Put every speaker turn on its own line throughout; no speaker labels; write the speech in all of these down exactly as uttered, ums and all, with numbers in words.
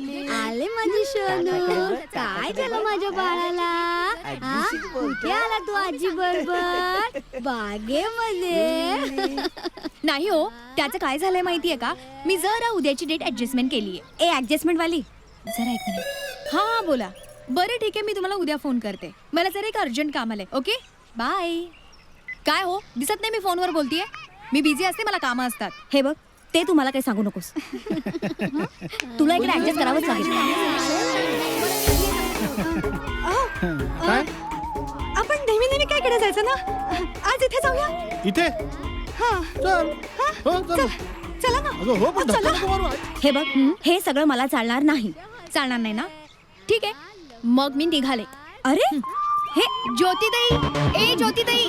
आले माझी सोनू. काय झालं माझ्या बाळाला? हा? कुठे आला तू आजी बरोबर? बागेमध्ये?
नाही हो, त्याचं काय झालंय माहितीये का, मी जरा उद्याची डेट ऍडजस्टमेंट केलीये.
ए ऍडजस्टमेंट वाली,
जरा एक मिनिट. हा हा बोला. बरं ठीक आहे, मी तुम्हाला उद्या फोन करते. मला जरा एक अर्जंट काम आलंय. Okay bye. काय हो, दिसत नाही मी फोनवर बोलतीये? मी बिझी असते, मला कामं असतात.
हे बघ, ते तू मला काही सांगू नकोस. तुला इकडे ऍडजस्ट करावंच लागेल.
काय
आपण नेहमी नेहमी काय कडे जायचं ना? आज इथे जाऊया.
इथे
हा
चल हो चल
चला ना.
अगं हो पण धक्का नको मारू.
हे बघ, हे सगळं मला चालणार नाही.
चालणार नाही ना? ठीक आहे, मग मी निघाले.
अरे
हे ज्योतिताई, ए ज्योतिताई,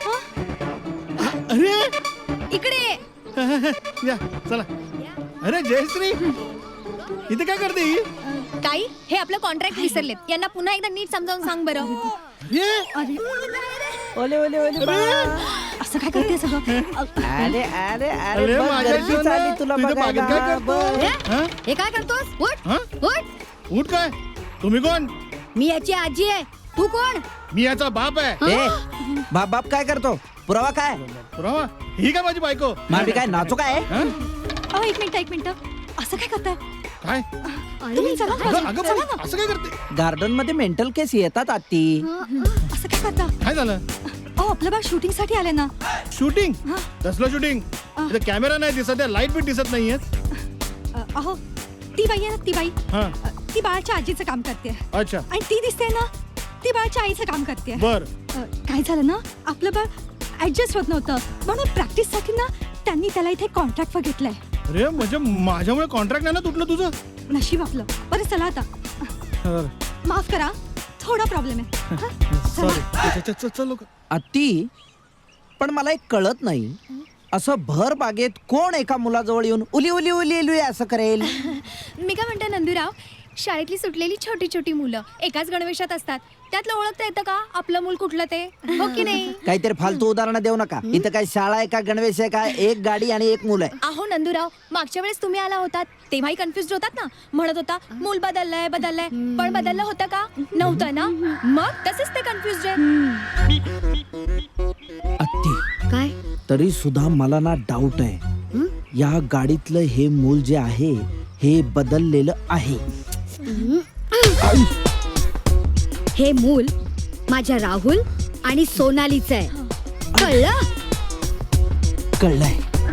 अरे
इकडे ये.
या चला. अरे जयश्री इथे काय करते ही?
ताई, हे आपलं कॉन्ट्रॅक्ट विसरलेत. यांना पुन्हा एकदा नीट समजावून सांग बरं.
ये
ओले ओले ओले बा.
असं काय करते सगळं?
अरे अरे अरे
अरे
बघ,
माझ्या
गर्दी
सोना,
चालली तुला
तुझ्या बागेत काय
बघायला.
करतोस?
बघ.
हा?
हे काय करतोस? उठ
हा?
उठ.
उठ काय? तुम्ही कोण?
मी याची आजी आहे. तू कोण?
मी याचा बाप आहे.
ए बाप बाप काय करतो? पुरावा काय?
पुरावा? ही काय माझी बायको?
मामी काय नाचू काय?
हा?
अहो, एक मिनिट एक मिनिट. असं काय करताय?
काय
तुम्ही चला
अगं
ना.
अगं
चला
पण
ना.
असं काय करते?
गार्डन मध्ये मेंटल केस येतात आत्ती.
असं काय करता?
काय झालं?
अहो, आपलं बाळ शूटिंग साठी आले ना.
शूटिंग? कसलं शूटिंग? इथे कॅमेरा नाही दिसत आहे, लाईट बी दिसत नाहीये.
अ, अहो, ती बाई आहे ना, ती बाई,
हा
अ, ती बाळाच्या आजीचं काम करते.
अच्छा
आणि ती दिसते ना, ती बाळाच्या आईचं काम करते.
बर.
काय झालं ना, आपलं बाळ ऍडजस्ट होत नव्हतं, म्हणून प्रॅक्टिस साठी ना त्यांनी त्याला इथे कॉन्ट्रॅक्ट वर घेतलंय.
अरे म्हणजे माझ्यामुळे कॉन्ट्रॅक्ट नाही ना तुटलं तुझं?
नशीब आपलं. बरं चला आता.
बरं.
माफ करा, थोडा प्रॉब्लेम आहे. हा?
सॉरी. चल, चल, चल, चल, लोक.
आत्ती पण मला एक कळत नाही, असं भर बागेत कोण एका मुलाजवळ येऊन उली उली उली उली असं करेल?
मी काय म्हणते नंदूराव, शाळेतली सुटलेली छोटी छोटी मुलं एकाच गणवेशात असतात. त्यातलं ओळखता येतं का आपलं मूल कुठलं ते? हो की नाही?
काहीतरी फालतू उदाहरणं देऊ नका. इथं काय शाळा आहे का गणवेश आहे का? एक गाडी आणि एक मुलं आहे.
अहो नंदूराव, मागच्या वेळेस तुम्ही आला होतात तेव्हाही कन्फ्युज होतात ना, म्हणत होता मूल बदललंय बदललंय, पण बदललं होतं का? नव्हतं ना. मग तसेच ते कन्फ्युज आहे.
आत्ती
काय?
तरी सुद्धा मला ना डाऊट आहे, या गाडीतलं हे मूल जे आहे हे बदललेलं आहे.
हे मूल माझ्या राहुल आणि सोनालीचं आहे. कळलं?
कळलंय,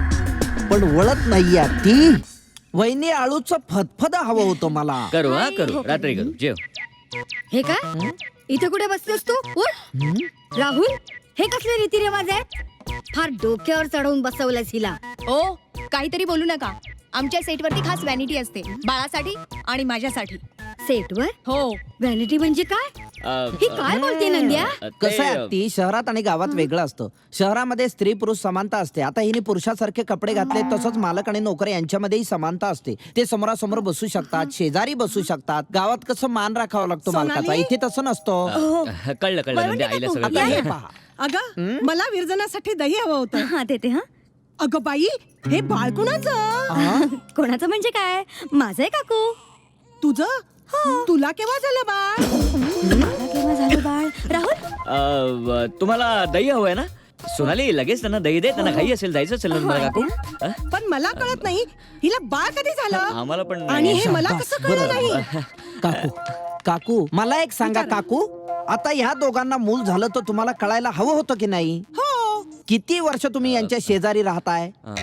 पण वळत नाहीये ती. वहिनी आळूचं फदफद हवं होतं मला.
करू हा करू रात्री करू जेव.
हे काय? इथे कुठे बसतोस तू? उठ. राहुल, हे कसले रीतिरिवाज आहेत? फार डोक्यावर चढवून बसवलंस हिला.
ओ काहीतरी बोलू नका. आमच्या सेटवरती खास व्हॅनिटी असते, बाळासाठी आणि माझ्यासाठी.
सेटवर
हो.
व्हॅनिटी म्हणजे काय?
अ,
ही काय बोलते नंद्या?
ते,
कसं आहे ती, शहरात आणि गावात वेगळं असतं. शहरामध्ये स्त्री पुरुष समानता असते. आता हिने पुरुषासारखे कपडे घातले, तसंच मालक आणि नोकर यांच्यामध्येही समानता असते. ते समोरासमोर बसू शकतात, शेजारी बसू शकतात. गावात कसं मान राखावा लागतो मालकाचा, इथे तसं नसतं.
अ, कळलं कळलं म्हणजे आईला सगळं
आता हे
कळलं.
पहा,
अगं मला विरजनासाठी दही हवं होतं.
हा देते. हा
अगं बाई, हे बाळ कुणाचं?
कोणाचं म्हणजे काय? माझं आहे काकू.
तुझं? तुला केव्हा झालं बाळ?
मला केव्हा झालं बाळ? राहुल,
अ, व, तुम्हाला दही हवंय ना? सोनाली लगेच त्यांना दही दे, त्यांना घाई असेल, जायचं असेल ना तुम्हाला काकू? अ?
पण मला कळत नाही, हिला बाळ कधी झालं?
आम्हाला पण
आणि
नाही.
हे मला
शाबास,
कसं कळलं
बरं.
नाही?
काकू काकू मला एक सांगा काकू, आता ह्या दोघांना मूल झालं तर तुम्हाला कळायला हवं होतं की नाही?
हो.
किती वर्ष तुम्ही यांच्या शेजारी राहताय?
अ.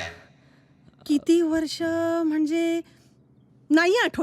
किती वर्ष म्हणजे नाही आठवत.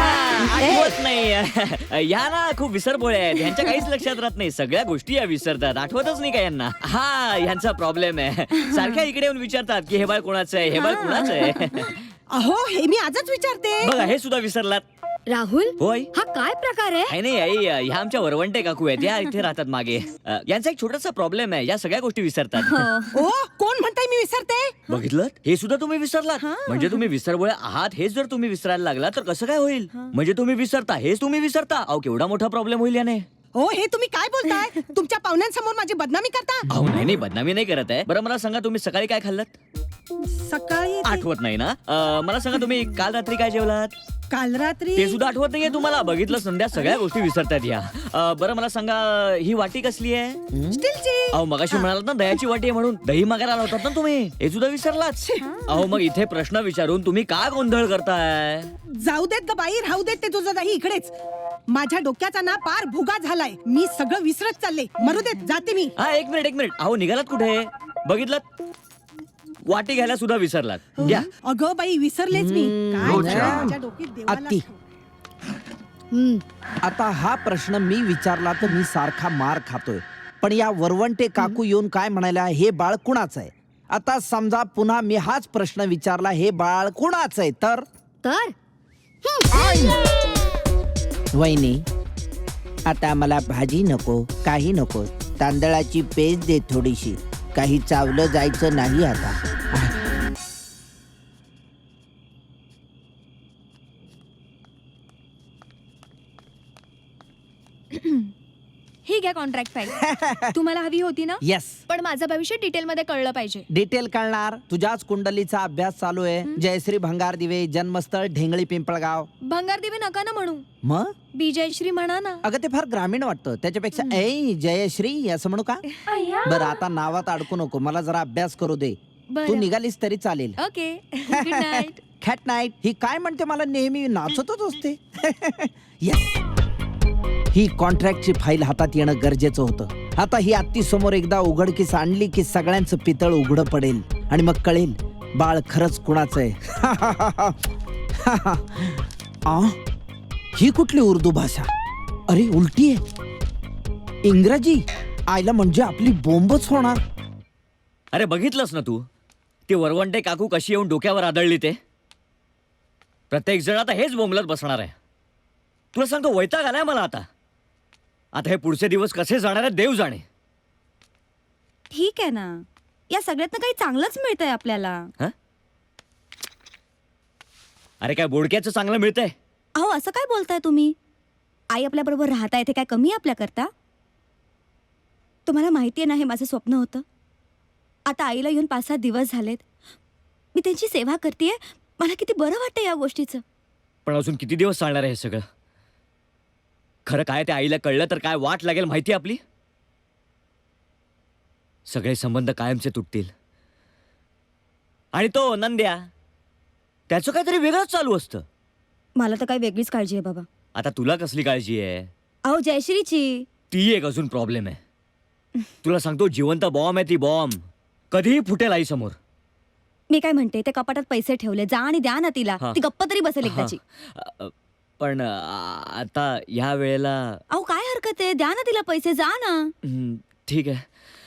आठवत नाही. या ना खूप विसरभोळे आहेत, ह्यांच्या काहीच लक्षात राहत नाही. सगळ्या गोष्टी या विसरतात, आठवतच नाही का यांना. हा ह्यांचा प्रॉब्लेम आहे. सारख्या इकडे येऊन विचारतात की हे बाळ कोणाचं आहे, हे बाळ कोणाचं आहे.
अहो हे मी आजच विचारते.
बघा हे सुद्धा विसरलात.
राहुल,
होय.
हा काय प्रकार आहे?
काही नाही आई, ह्या आमच्या वरवंटे काकू आहेत, या इथे राहतात मागे. अ, यांचा एक छोटासा प्रॉब्लेम आहे, या सगळ्या गोष्टी विसरतात.
ओ कोण म्हणताय मी विसरते?
बघितलं, हे सुद्धा तुम्ही विसरलात. म्हणजे तुम्ही विसरभोळे आहात हेच जर तुम्ही विसरायला लागला तर कसं काय होईल? म्हणजे तुम्ही विसरता हेच तुम्ही विसरता, अहो केवढा मोठा प्रॉब्लेम होईल याने.
हो हे तुम्ही काय बोलताय? तुमच्या पाहुण्यांसमोर माझी बदनामी करता?
अहो नाही नाही बदनामी नाही करत आहे. बरं मला सांगा तुम्ही सकाळी काय खाल्लं?
सकाळी ते-
आठवत नाही ना? अ, मला सांगा तुम्ही काल रात्री काय जेवलात?
काल रात्री
ते सुद्धा आठवत नाहीये तुम्हाला? बघितलं संध्या, सगळ्या गोष्टी विसरतात या. अं, बरं मला सांगा, ही वाटी कसली आहे?
स्टीलची.
अहो मगाशी म्हणालात ना दह्याची वाटी आहे म्हणून. दही मागायला आला होतात ना तुम्ही, हे सुद्धा विसरलात. अहो मग इथे प्रश्न विचारून तुम्ही का गोंधळ करताय?
जाऊ देत ग बाई, राहू देत ते तुझं दही इकडेच. माझ्या डोक्याचा ना पार भुगा झालाय. मी सगळं विसरत चालले. मरू देत, जाते मी.
हा एक मिनिट एक मिनिट अहो निघालात कुठे? बघितलं, वाटी घ्यायला सुद्धा विसरलात. घ्या.
अगं बाई, विसरलेच मी. काय
रोजच्या.
झालं माझ्या डोक्यात देवाला
अति.
ठाऊक.
हम्म.
आता हा प्रश्न मी विचारला तर मी सारखा मार खातोय. पण या वरवंटे काकू येऊन काय म्हणाल्या, हे बाळ कुणाचं आहे? आता समजा पुन्हा मी हाच प्रश्न विचारला, हे बाळ कुणाचं आहे? तर
तर
वहिनी, आता मला भाजी नको, काही नको, तांदळाची पेज दे थोडीशी. काही चावलं जायचं नाही आता.
ही घ्या कॉन्ट्रॅक्ट फाईल. तुम्हाला हवी होती ना?
येस.
पण माझं भविष्य डिटेल मध्ये कळलं पाहिजे.
डिटेल कळणार. तुझ्याच कुंडलीचा अभ्यास चालू आहे. जयश्री भंगार दिवे, जन्मस्थळ ढेंगळी पिंपळगाव.
भंगार देवी नका ना म्हणू,
मग
बीजयश्री म्हणा ना.
अगं ते फार ग्रामीण वाटतं. त्याच्यापेक्षा ऐ जयश्री असं म्हणू का? बरं आता नावात अडकू नको, मला जरा अभ्यास करू दे.
बरं.
तू निघालीस तरी चालेल.
ओके. Good night.
खॅट नाईट. ही काय म्हणते, मला नेहमी नाचतच असते. Yes. ही कॉन्ट्रॅक्टची फाईल हातात येणं गरजेचं होतं. आता ही आत्ती समोर एकदा उघडकीस आणली की सगळ्यांचं पितळ उघडं पडेल आणि मग कळेल बाळ खरंच कुणाचं आहे. आ? ही कुठली उर्दू भाषा? अरे उलटी आहे. इंग्रजी. आईला म्हणजे आपली बोंबच होणार.
अरे बघितलंस ना तू, ती वरवंटे काकू कशी येऊन डोक्यावर आदळली ते? प्रत्येक जण आता हेच बोंबलत बसणार आहे. तुला सांगतो, वैताग आलाय मला आता. आता हे पुढचे दिवस कसे जाणार आहेत देव जाणे.
ठीक आहे ना, या सगळ्यातनं काही चांगलंच मिळतंय आपल्याला.
हं? अरे काय बोडक्याचं चांगलं मिळतंय?
अहो असं काय बोलताय तुम्ही? आई आपल्या बरोबर राहता येते काय कमी आपल्या करता? तुम्हाला माहितीये ना, हे माझं स्वप्न होतं. आता आईला येऊन पाच सात दिवस झालेत. मी त्यांची सेवा करतेय. मला किती बरं वाटतं या गोष्टीचं.
पण अजून किती दिवस चालणार आहे हे सगळं? खरं काय त्या आईला कळलं तर काय वाट लागेल माहिती आपली? सगळे संबंध कायमचे तुटतील. आणि तो नंद्या, त्याचं काहीतरी वेगळंच चालू असतं.
मला तर काही वेगळीच काळजी आहे बाबा.
आता तुला कसली काळजी आहे?
अहो जयश्रीची.
ती एक अजून प्रॉब्लेम आहे. तुला सांगतो, जिवंत बॉम्ब आहे ती, बॉम्ब. कधीही फुटेल आई समोर.
मी काय म्हणते, ते कपाटात पैसे ठेवले, जा आणि द्या ना तिला.
हा.
ती गप्प तरी बसेल एकदाची.
अ, पण अ, आता ह्या वेळेला
अहो काय हरकत आहे, द्या ना तिला पैसे, जा ना.
हं, ठीक आहे.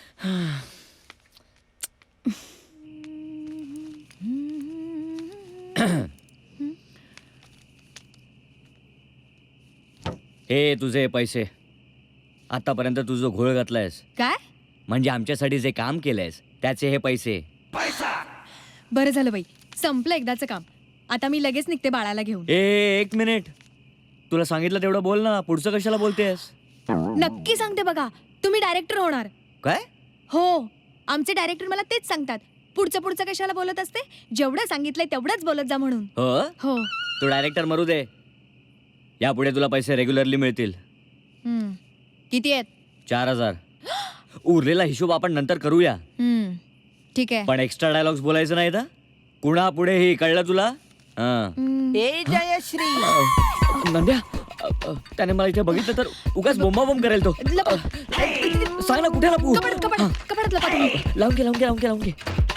हे तुझे पैसे. आतापर्यंत तुझं घोळ घातलायस,
काय?
म्हणजे आमच्यासाठी जे काम केलंयस त्याचे हे पैसे.
बरं झालं बाई, संपलं एकदाचं काम. आता मी लगेच निघते बाळाला घेऊन.
ए एक मिनिट, तुला सांगितलं तेवढं बोल ना, पुढचं कशाला बोलतेस?
नक्की सांगते बघा, तुम्ही डायरेक्टर होणार.
काय?
हो, आमचे डायरेक्टर मला तेच सांगतात. पुढचं पुढचं कशाला बोलत असते, जेवढं सांगितलंय तेवढंच बोलत जा म्हणून.
हो,
हो.
तू डायरेक्टर मरू दे. यापुढे तुला पैसे रेग्युलरली मिळतील.
हम्म. किती आहेत?
चार हजार. उरलेला हिशोब आपण नंतर करूया.
हम्म. ठीक आहे.
पण एक्स्ट्रा डायलॉग्स बोलायचं नाही ना कुणा पुढे, हे कळलं तुला? हा.
हम्म.
ए जयश्री.
नंद्या, अ, अ, त्याने मला इथे बघितलं तर उगाच बोंबा बोंब करेल तो.
लपा.
सांग ना कुठे लपू?
कपाटात कपाटात कपाटात लपा तुम्ही.
लावून घे लावून घे लावून घे लावून घे.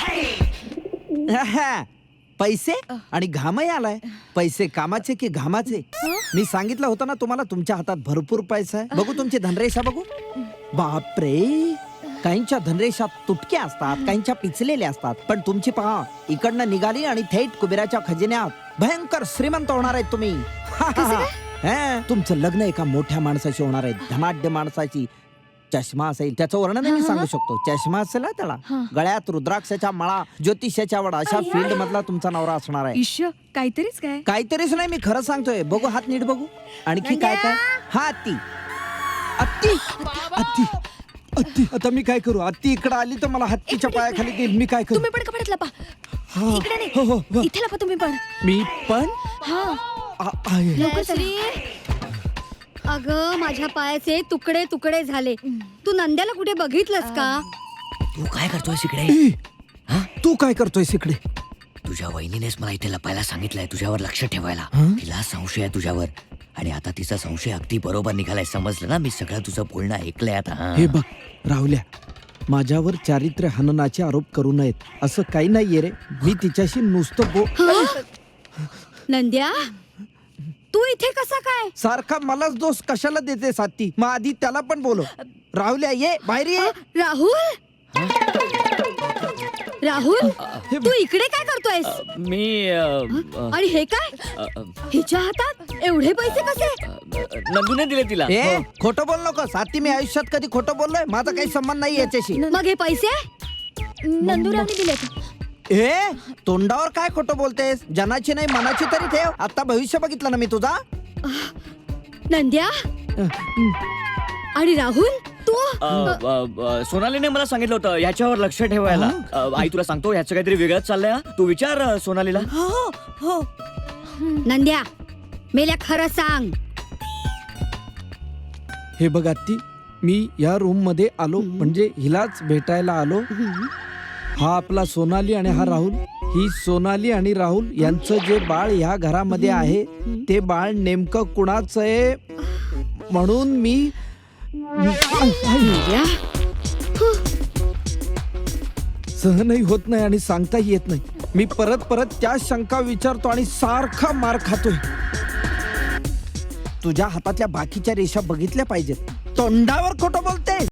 पैसे आणि घामही आलाय. पैसे कामाचे की घामाचे? मी सांगितलं होतं ना तुम्हाला, तुमच्या हातात भरपूर पैसा आहे. बघू तुमची धनरेषा बघू. बापरे, काहींच्या धनरेषा तुटक्या असतात, काहींच्या पिचलेल्या असतात. पण तुमची पहा, इकडनं निघाली आणि थेट कुबेराच्या खजिन्यात भयंकर श्रीमंत होणार आहेत तुम्ही. हा, तुमचं लग्न एका मोठ्या माणसाशी होणार आहे, धनाढ्य माणसाची. चष्मा असेल, त्याचं वर्णन मी सांगू शकतो. चष्मा असेल ना त्याला, गळ्यात रुद्राक्षाच्या माळा, ज्योतिषाच्या वडा, अशा फील्ड मधला तुमचा नवरा असणार आहे.
ईश, काहीतरीच काय.
काहीतरीच नाही, मी खरं सांगतोय. बघू हात नीट बघू. आणखी काय काय? हा अत्ती अत्ती अत्ती अत्ती. आता मी काय करू? अत्ती इकडे आली तर मला हत्तीच्या पायाखाली देईल. मी काय करू?
तुम्ही पण कपाटात लपा.
हा.
इकडे
हो, हो,
नाही,
हो.
इथे लपा तुम्ही पण.
मी पण
हा,
आ- आहे.
जयश्री अगं माझ्या पायाचे तुकडे तुकडे झाले तू नंद्याला कुठे बघितलंस का?
तू काय करतोय इकडे?
ए, तू काय करतोय इकडे?
तुझ्या वहिनीनेच मला इथे लपायला सांगितलंय तुझ्यावर लक्ष ठेवायला.
हं?
तिला संशय आहे तुझ्यावर आणि आता तिचा संशय अगदी बरोबर निघालाय. समजलं ना? मी सगळं तुझं बोलणं ऐकलंय आता. हं.
हे बघ राहुल्या, माझ्यावर चारित्र्य हननाचे आरोप करू नयेत असं काही नाहीये रे. मी तिच्याशी नुसतं बो
नंद्या तू इथे कसा काय?
सारखा मलाच दोष कशाला देते साथी? मग आधी त्याला पण बोलो. राहुल्या ये बाहेर ये.
राहुल राहुल तू इकडे काय करतोयस?
मी अ, अ,
आणि हे काय
अ, अ,
हिच्या हातात एवढे पैसे कसे?
नंदूने दिले तिला.
ए खोटं बोल नको साथी. मी आयुष्यात कधी खोटं बोललोय? माझा काही संबंध नाही याच्याशी.
मग हे पैसे
नंदुराने दिलेत.
ए तोंडावर काय खोटं बोलतेस? जनाची नाही मनाची तरी ठेव. आता भविष्य बघितलं ना मी तुझा.
नंद्या आणि राहुल तू
अ, अ, अ, सोनालीने मला सांगितलं होतं ह्याच्यावर लक्ष ठेवायला. अ, आई तुला सांगतो ह्याचं काहीतरी वेगळंच चाललंय. हं? तू विचार अ, सोनालीला.
हो हो
नंद्या मेल्या खरं सांग.
हे बघ आत्ती, मी या रूम मध्ये आलो म्हणजे हिलाच भेटायला आलो. हा आपला सोनाली आणि हा राहुल. ही सोनाली आणि राहुल यांचं जे बाळ ह्या घरामध्ये आहे ते बाळ नेमकं कुणाचं आहे म्हणून मी
नंद्या
सहनही होत नाही आणि सांगताही येत नाही. मी परत परत त्याच शंका विचारतो आणि सारखा मार खातोय.
तुझ्या हातातल्या बाकीच्या रेषा बघितल्या पाहिजेत. तोंडावर खोटं बोलते.